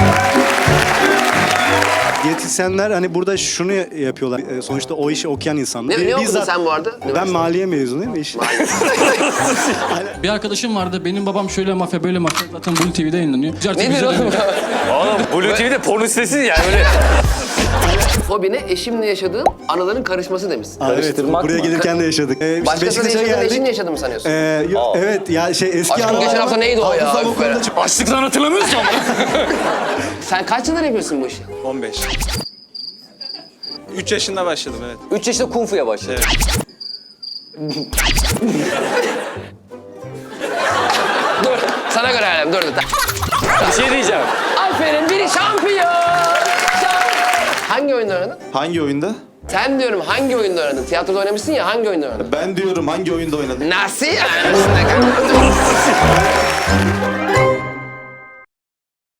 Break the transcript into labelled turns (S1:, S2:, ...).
S1: Diyetisyenler hani burada şunu yapıyorlar. Sonuçta o işi okuyan insanlar.
S2: Ne okudun sen bu arada?
S1: Ben maliye mezunuyum.
S3: Bir arkadaşım vardı. Benim babam şöyle mafya böyle mafya. Zaten Blue TV'de yayınlanıyor.
S2: Ne diyorsun oğlum?
S4: Oğlum Blue TV'de porno sitesi yani öyle.
S2: Fobine eşimle yaşadığım anıların karışması demişsin.
S1: Evet, buraya gelirken de yaşadık.
S2: Başkasıyla yaşadığın eşinle yaşadın mı sanıyorsun?
S1: Evet ya eski
S2: Aşkım geçen hafta neydi o ya?
S1: Hafızam o konuda
S4: Açlıktan hatırlamıyorsun ama.
S2: Sen kaç yıldır yapıyorsun bu işi?
S5: 15. 3 yaşında başladım evet.
S4: 3 yaşında kung fu'ya başladı.
S2: Dur, sana göre halim, dur.
S4: Bir şey diyeceğim.
S2: Aferin, biri şampiyon! Hangi oyunda oynadın?
S6: Hangi oyunda?
S2: Sen diyorum hangi oyunda oynadın? Tiyatroda oynamışsın ya, hangi oyunda oynadın?
S6: Ben diyorum hangi oyunda oynadın?
S2: Nasıl yani?